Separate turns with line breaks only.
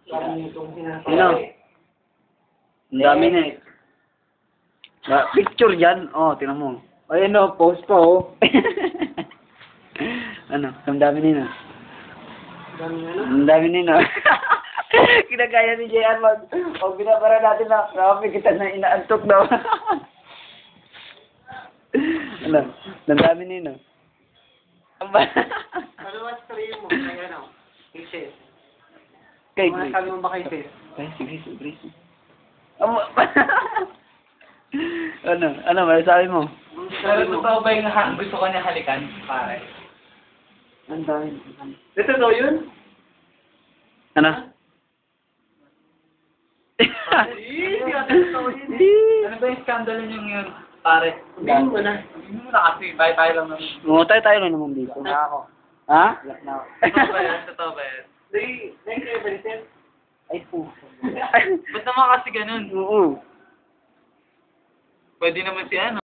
Ano? Ang dami na eh. Picture yan. Oh, tingnan mo.
Ayun o, post pa o.
Ano? Ang dami nino. Ang dami nino. Kinagaya ni JR mag... O binabara natin na kami kita na inaantok daw. Ano? Ang dami nino.
Ano ba sabihin mo? Kaya ano? Kisses.
Kay
Ano sabi mo ba kay Sis?
Ay, sige, sige. Ano, masasabi mo?
Pero totoo ba yung gusto ko niya halikan? Pare.
Ang dami.
Ito daw yun?
Ano?
Ano ba yung scandal yun? Pare. Sabihin mo na. Sabihin mo na kasi. Bye-bye lang naman.
Mungutay tayo lang naman dito.
Na ako.
Ha?
Totoo ba yan? Totoo ba yan? Thank you, Vincent.
Ay po.
Ba't naman kasi ganun?
Oo.
Pwede naman si ano.